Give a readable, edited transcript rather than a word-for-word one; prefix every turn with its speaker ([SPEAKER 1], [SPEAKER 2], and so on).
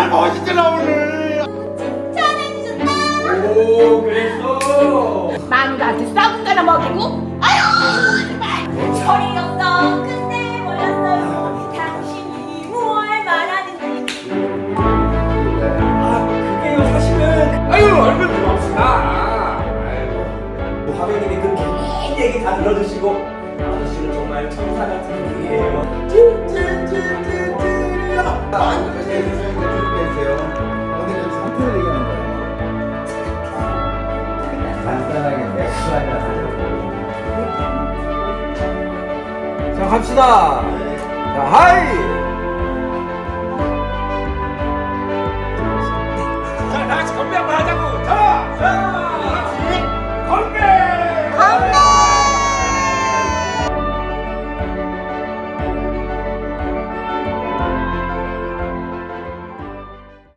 [SPEAKER 1] 정말 멋있더라 오늘.
[SPEAKER 2] 칭찬해주셨다.
[SPEAKER 1] 오 그랬어.
[SPEAKER 2] 마누라한테 썩은 거나 먹이고 아유 정말 철이 없어. 근데 몰랐어요 당신이 무얼 말하는지.
[SPEAKER 1] 아 그게요 사실은. 아유 얼굴 고맙습니다. 아유 화면님이 그 긴 얘기 다 들어주시고 아저씨는 정말 천사 같은 분이에요.
[SPEAKER 3] 간단하게 맥주 한잔 하자고.
[SPEAKER 1] 자 갑시다. 자 하이.